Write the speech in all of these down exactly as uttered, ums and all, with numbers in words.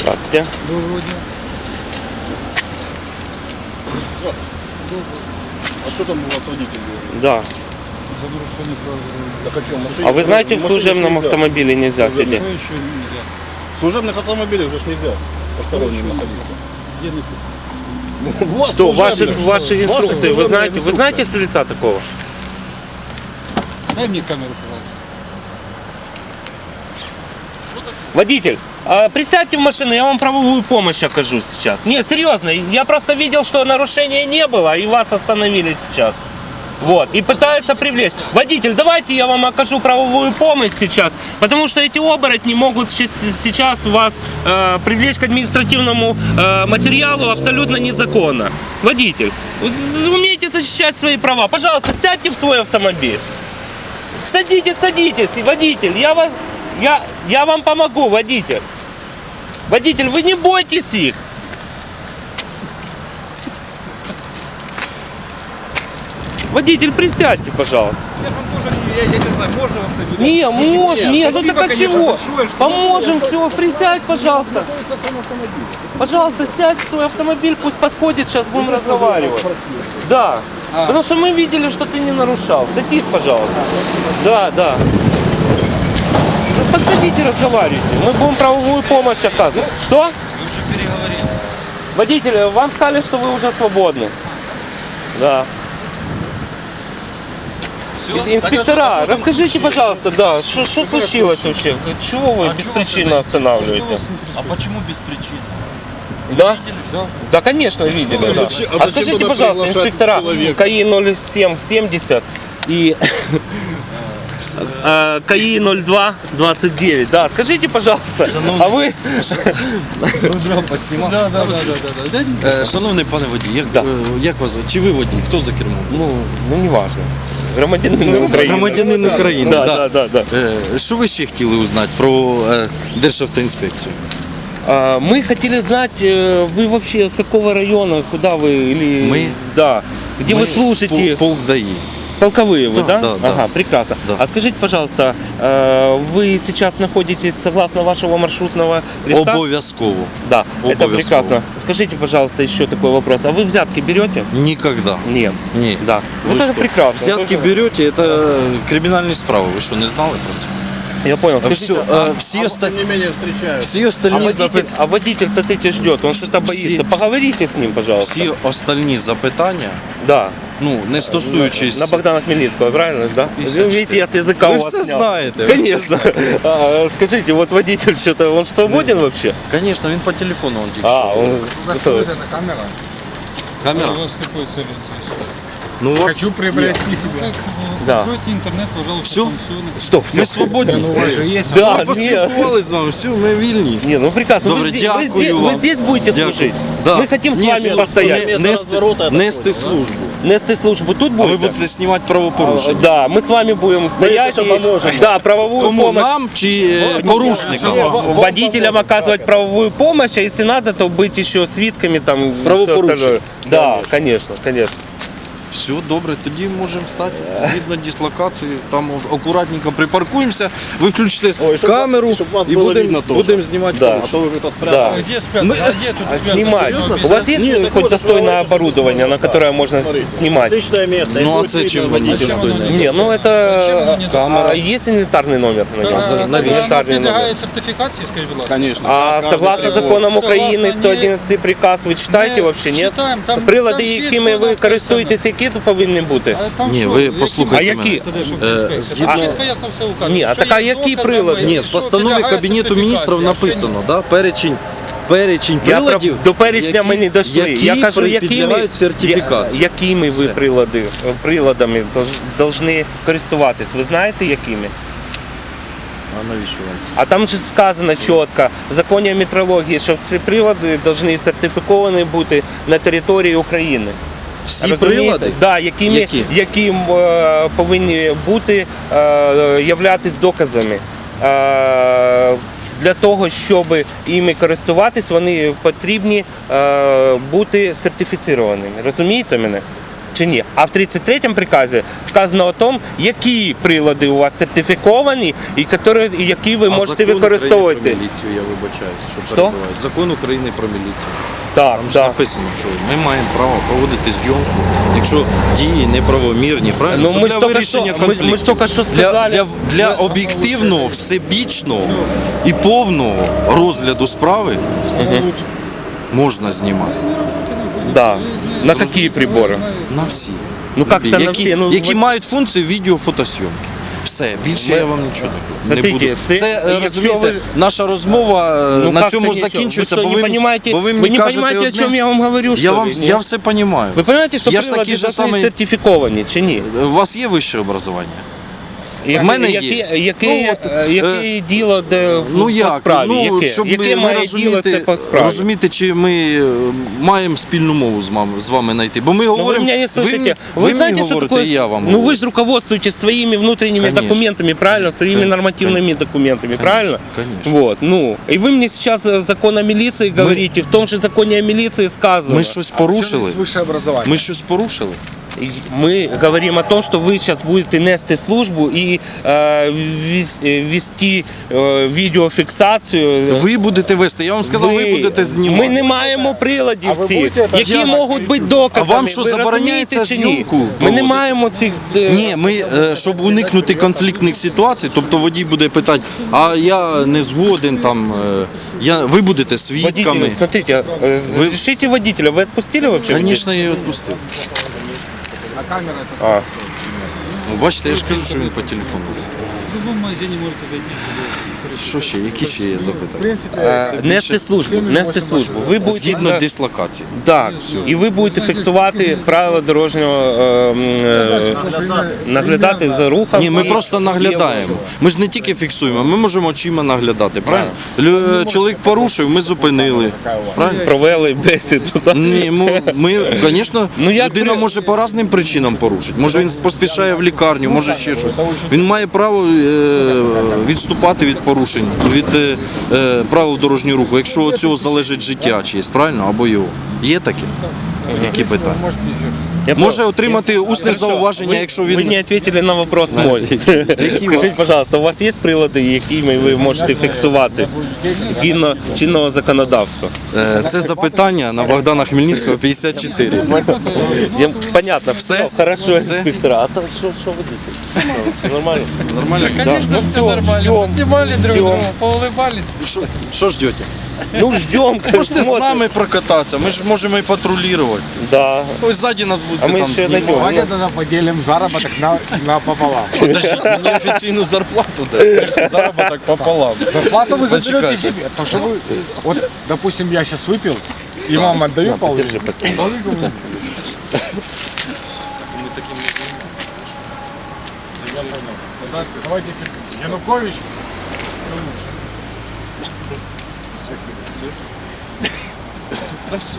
Здравствуйте. Доброго дня. Здравствуйте. А что там у вас водитель говорит? Да. За нарушение прав дорожного. Так о чем? Машине, А вы знаете, в машине служебном нельзя. автомобиле нельзя Служебном. сидеть? Что еще нельзя? В служебных автомобилях уже ж нельзя посторонним Что еще находиться. Где написано? У вас Что, ваши, служебных, ваши что? инструкции, Ваша вы знаете, вы служебная знаете стрельца такого? Дай мне камеру, пожалуйста. Водитель, а, присядьте в машину, я вам правовую помощь окажу сейчас. Не, серьезно, я просто видел, что нарушения не было, и вас остановили сейчас. Вот, и пытаются привлечь. Водитель, давайте я вам окажу правовую помощь сейчас, потому что эти оборотни могут щас- сейчас вас э, привлечь к административному э, материалу абсолютно незаконно. Водитель, вот з- умейте защищать свои права. Пожалуйста, сядьте в свой автомобиль. Садитесь, садитесь, водитель, я вас, я, я вам помогу, водитель. Водитель, вы не бойтесь их. Водитель, присядьте, пожалуйста. Я же вам тоже не, я, я не знаю, можно вам доверять? Не, можно, нет, ну спасибо, так а конечно, чего? большое, что Поможем, все, присядь, пожалуйста. Пожалуйста, сядь в свой автомобиль, пусть подходит, сейчас будем разговаривать. Да, А. потому что мы видели, что ты не нарушал. Садись, пожалуйста. Да, да. Ну, подходите, разговаривайте. Мы будем правовую помощь оказывать. Что? Вы уже переговорили. Водитель, вам сказали, что вы уже свободны. Да. Все? Инспектора, расскажите, пожалуйста, да, что случилось вообще? Чего вы беспричинно останавливаете? А почему без причин? Да? Да. Да, Да, конечно, видели, А да. зачем- а А зачем скажите, тогда пожалуйста, приглашать инспектора, человека? КАИ ноль семь семьдесят и э, КАИ ноль два двадцать девять, да, скажите, пожалуйста, а вы... Поснімав. Да, да, да, да, да. Е, Шановний пане водій, як, Да. е, як вас? Чи ви водій? Хто за кермом? Ну, ну не важно. Громадянин України. Громадянин України. Да, да, да, да. Е, Що ви ще хотіли узнати про е, Державтоінспекцію? А, мы хотели знать, э, вы вообще с какого района, куда вы, или... Мы? Да. Где вы Ми служите? пол- Полк ДАІ. Полковые вы, да? Да, да, да. Ага, прекрасно. Да. А скажите, пожалуйста, э, вы сейчас находитесь согласно вашего маршрутного листа? Обов'язково. Да, это Обовязково. прекрасно. Скажите, пожалуйста, еще такой вопрос. А вы взятки берете? Ніколи. Нет. Ні. Да. Вот Ви это що? прекрасно. Взятки Это- берете, це кримінальні справи. Ви що, не знали про це? Я понял. А Скажите, все, а, е, всі, А оста... тем не менее встречают. всі а остальні водитель, запит... а водитель, смотрите, ждет, он что-то Все- боится. Поговорите с ним, пожалуйста. всі остальні запитання, Да. ну, не стосуючись... На Богдана Хмельницкого, правильно, да? пятьдесят Вы видите, я с языка Вы у вас все снял. знаете, вы Конечно. А, скажите, вот водитель что-то, он свободен вообще? Звісно, він по телефону он тільки А, що. он... Это камера. Камера? У вас какой цель интересует? Ну, у вас... Хочу приобрести себе. Как, Да. Откройте интернет, пожалуйста, Всё? пансионы. Стоп, Ми все. свободні. У вас же есть. Да, Ми нет. поспілкувалися з вами, все, ми вільні. Не, ну прекрасно. Добре, вы, здесь, вы, дякую здесь, вам. вы здесь будете Дякую. служить? Да. Мы хотим с Ні, вами службу, постоять. не- Место Нести, разворота это нести такое, да? службу. Нести службу тут А будете? ви будете знімати правопорушення. Да, мы с вами будем стоять если и поможем. да, правовую Кому? помощь. Нам чи е, порушникам? Ні, вам- Водителям оказывать правовую помощь, а если надо, то быть еще свидками там. и всё Правопорушень. остальное. Да, конечно, конечно. Все, добре, тоді можемо стати згідно дислокації, там акуратненько припаркуємося, ви включите Ой, щоб- камеру щоб вас і було будемо видно теж. будем знімати Да. А порушення. то вы это спрятали. А где спрятать? Мы- А где тут А спрятать? снимать. Серьезно? У вас есть Нет, так хоть вот, достойное говорите, что оборудование, на здесь которое можно с- Смотрите, снимать? Отличное место. и Ну, а будет це видно чим водителя. водитель Зачем оно стоїть? не Не, ну Зачем оно это не камера. доступно? Есть инвентарный номер на нем? А, так оно Инвентарный підлягає номер. сертифікації, скажіть, будь ласка? Конечно. А Каждый согласно прибор. законам Согласно України, не- сто одинадцятый приказ, ви читаєте Не вообще, ні? читаємо, там- Прилади, там чітко якими ви написано. користуєтесь, які тут повинні бути? А там Ні, що? ви Які послухайте А мене. які? Це Державтоінспекція. Е, згідно- Там чітко ясно все указано. Ні, а Що така є які доказами, прилади? Ні, і в що постанові підлягає Кабінету міністрів сертифікації, а що написано, ні. да, перечень, перечень Я про- приладів, до перечня які- ми не дійшли. які Я кажу, якими, підлягають сертифікації. я- якими ви Все. прилади, приладами повинні користуватись? Ви знаєте, якими? А навіщо вам це? А там же сказано чітко в законі метрології, що ці прилади повинні сертифіковані бути на території України. Всі Розумієте? прилади? Да, якими, Які? яким е, повинні бути, е, являтись доказами. Е, для того, щоб іми користуватись, вони потрібні е, бути сертифіцірованими. Розумієте мене? чи ні? А в тридцять третьому приказі сказано о том, які прилади у вас сертифіковані і які, і які ви А можете закон використовувати. України про міліцію, я вибачаюсь, що, Що? перебиваю. Закон України про міліцію. Так, Там ж так. написано, що ми маємо право проводити зйомку, якщо дії неправомірні, правильно? Ну, То ми для ж тільки вирішення що- ми- ми ж конфліктів. тільки що для, сказали- для, для об'єктивного, всебічного і повного розгляду справи можна знімати. Да. На які прибори? На всі. Ну, як Любі, це на які, всі? Ну, які ви- мають функцію відеофотосйомки. Все, більше Ми- я вам нічого не кажу. Смотрите, не буду. це- Це, е, якщо розумієте, ви- наша розмова е, Ну, на как-то цьому нічого. закінчується, ви що, бо не ви, понимаете, бо ви ви мені не кажете понимаете, о одне. чем я вам говорю, Я, что вам, ли? я Нет? все розумію. Ви розумієте, що Я ж прилади такий же должны самий- сертифіковані, чи ні? У вас є вище образування? Яке, мене є. яке, яке, Ну, от, е, яке діло де, Ну по як? справі? Ну, яке щоб яке ми, має ви діло розумієте, це по справі? розумієте, чи ми е, маємо спільну мову з вами, з вами знайти? Бо ми Ну, вы говоримо, меня не слышите. Вы, ви знаете, мені что говорите, такое? і я вам Ну говорю. вы же руководствуетесь своими внутренними Конечно. документами, правильно? Своими Конечно. нормативными документами, правильно? конечно. Вот, ну. И вы мне сейчас э, закон о милиции говорите. В том же законе о милиции сказано. Ми щось порушили? Высшее образование. Ми щось порушили? И Мы говорим о том, что вы сейчас будете нести службу и э, вес- э, вести э, відеофіксацію. Ви будете вести, я вам сказав, ви, будете знімати. Ми не маємо приладів А ви цих, будете це які Я- можуть бути доказами. А вам що, Ви забороняється розумієте чи ні? зйомку Ми не проводити? маємо цих... е, Ні, ми, е, щоб уникнути конфліктних ситуацій, тобто водій буде питати, а я не згоден, там, е, я, ви будете свідками. Водитель, смотрите, э, Вы- разрешите водителя, вы отпустили вообще? Звісно, я її відпустив. А камера это А, Ну, бачите, я ж кажу, що він по телефону. в любом магазине можете зайти. Що ще? Які ще є В запитання? принципе, е, нести службу, нести службу. Ви будете Згідно за- дислокації. Так, і ви будете фіксувати правила дорожнього е, м, е, наглядати за рухом. Ні, ми і- просто наглядаємо. Ми ж не тільки фіксуємо, ми можемо очима наглядати, правильно? Лю- Чоловік порушив, ми зупинили. Правильно? Провели бесіду. так? Ні, ми, ми звісно, Ну, як людина при- може по різним причинам порушити. Може він поспішає в лікарню, може ще щось. Він має право е, відступати від порушень, від е, е, правил дорожнього руху, якщо від цього залежить життя чиєсь, правильно? Або його. Є таке? Які питання? Я Може понял. отримати усне Хорошо, зауваження, ви- якщо Ви він... не відповіли на вопрос На- мой. Які Скажіть, вас? пожалуйста, у вас є прилади, якими ви можете фіксувати згідно чинного законодавства? Е, Це запитання на Богдана Хмельницького, п'ятдесят чотири. Я, понятно, Все? все, хорошо, Все? инспектора. А то что, что водитель? Что, Нормально? Нормально? Конечно, все всё, нормально. ждем, Поснимали друг ждем. друга, поулыбались. Що- Що ждете? Ну, ждем, Можете з смотрим. нами прокататися, ми ж можемо і патрулювати. Да. Ось ззаді нас будете А ми там ще знімати. найдемо. Давайте тогда поделим заработок на, на пополам. Подождіть, мені офіційну зарплату дайте. Заробіток пополам. Зарплату вы заберете Зачекайте. себе. Потому что вы, вот, допустим, я сейчас выпил, и вам отдаю пол. Держи, пацан. Давайте Янукович. Та все.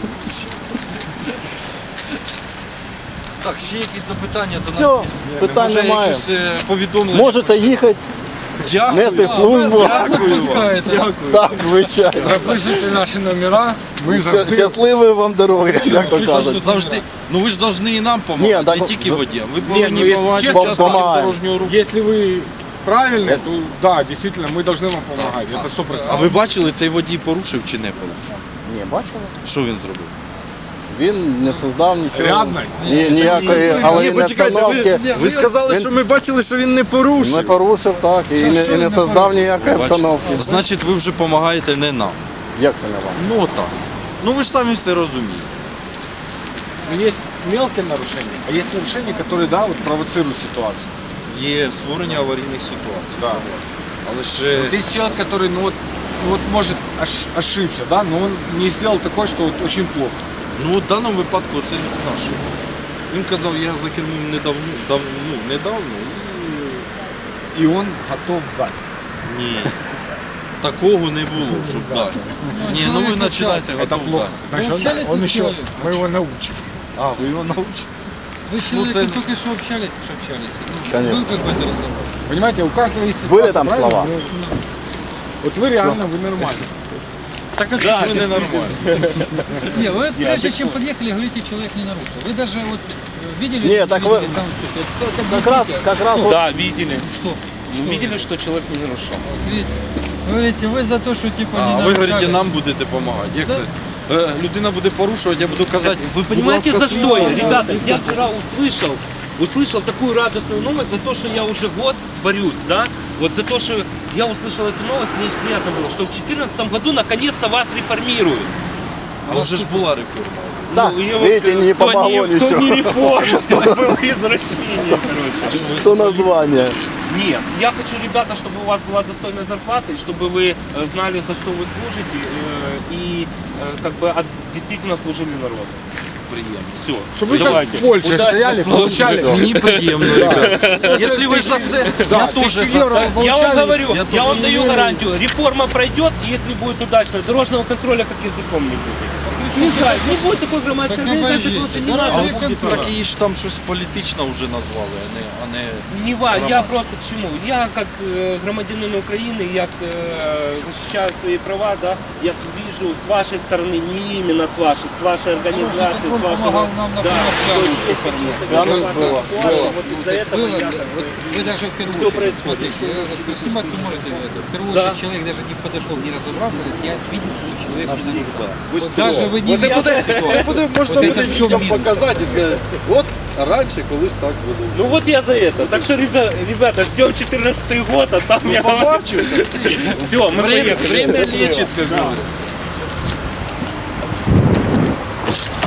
Так, ще якісь запитання до нас? Все, є? питань Може, немає. якісь, е, повідомлення? Можете їхати, Дякую. нести службу. Дякую вам. Дякую. Так, звичайно. Запишите наши номера. Мы Ща- завжди... Щасливої вам дороги, як то Ви завжди, кажуть. завжди, ну ви ж повинні і нам допомагати, Ні, так, не тільки за- водіям. Ви Ні, повинні ну, якщо допомагати чесно, учасникам помагаємо. дорожнього руху. Если вы правильный, то да, действительно, мы должны вам помогать. Это сто А процентов. ви бачили, цей водій порушив чи не порушив? Ні, бачили? Що він зробив? Він не создав нічого. Рядність? Ні, ніякої аварійної обстановки. ви сказали, Він- що ми бачили, що він не порушив. Не порушив, так, і не, і не создав ніякої обстановки. Значить, ви вже допомагаєте не нам. Як це не вам? Ну отак. Ну ви ж самі все розумієте. Но есть мелкие нарушения, а есть нарушения, которые, да, вот провоцируют ситуацию. Є створення аварійних ситуацій. Да. согласен. Але ж Вот есть человек, который, ну вот, ну вот может ош- ошибся, да, но он не сделал такое, что вот очень плохо. ну, в даному випадку це не наш. Він казав, я за кермом недавно, дав, ну, недавно И он готов дать. і ні. Такого не було, щоб дати. Ні, ну ви починаєте Это готов плохо. дати. Значит, он, он еще, мы его научим. А, ви його навчите? Вы с Ну, человеком це- только что общались, что общались. Конечно. Был какой-то разговор. Понимаете, у каждого есть ситуация. Были там правильно? слова? Ну, Вот вы реально, вы нормально. Так а Да, чого ж ви ненормальні? Не, вы прежде чем подъехали, говорите, человек не нарушил. Вы даже вот э, видели? Не, так вы- видели сам суд? Вот, вот Как раз, объясните, как раз вот Да, видели. Что? Мы видели, что человек не нарушал. Вот видите, говорите, вы за то, что типа А не ви нарушали. говорите, нам будете допомагати. Як Да. це? Е, Людина буде порушувати, я буду казати. Вы понимаете, будь за ласка, что я? слухайте. Ребята, я вчера услышал, услышал такую радостную новость за то, что я уже год борюсь, да? Вот за то, что я услышал эту новость, мне очень приятно было, что в две тысячи четырнадцатом году наконец-то вас реформируют. А вже ж була реформа. да, Ну, и вот, видите, э, не то помогло не, то ничего. не реформа, то было извращение, короче. Что название. Нет, я хочу, ребята, чтобы у вас была достойная зарплата, и чтобы вы э, знали, за что вы служите, э, и э, как бы от- действительно служили народу. Приємно. Все, Чтобы вы как давайте. в Польше Удачной стояли, службы. получали. Мені приємно, ребята. Якщо ви за це, я теж тысячу за евро це. Я вам получали. говорю, Я я, тоже вам не даю верю. гарантию, реформа пройдет, если будет удачно, дорожного контроля как языком не будет. Не знаю, не будет такой громадской Так организации, обождите, потому что не дорожный надо. будет контроль. права. Так її ж там щось політично вже назвали, а не, а не Не ва, я громадське. просто к чему? Я как э, громадянин Украины, я э, защищаю свои права, да, я вижу с вашей стороны, не именно с вашей, с вашей организации, с он вашего... помогал нам на да, прямых то есть пиарах есть такие оформлять. Пиарных адекватные было, ситуации, было. вот из-за этого Было, я да, как вот бы- вы даже в первую Всё очередь, происходит. смотрите, я снимать вы можете это. В первую Да. очередь человек даже не подошел, не разобрался, говорит, я видел, что человек не всіх, нарушал. да. Вот даже вы не Оце видели буде, це ситуацию. буде, можна Вот буде это в чём дітям минус? показати і сказати, от раніше колись так було. Ну вот я за это. Так что, ребята, ребята ждем четырнадцатый год, а там я вам... Побачив, Все, мы Время, поехали. время лечит, как говорят.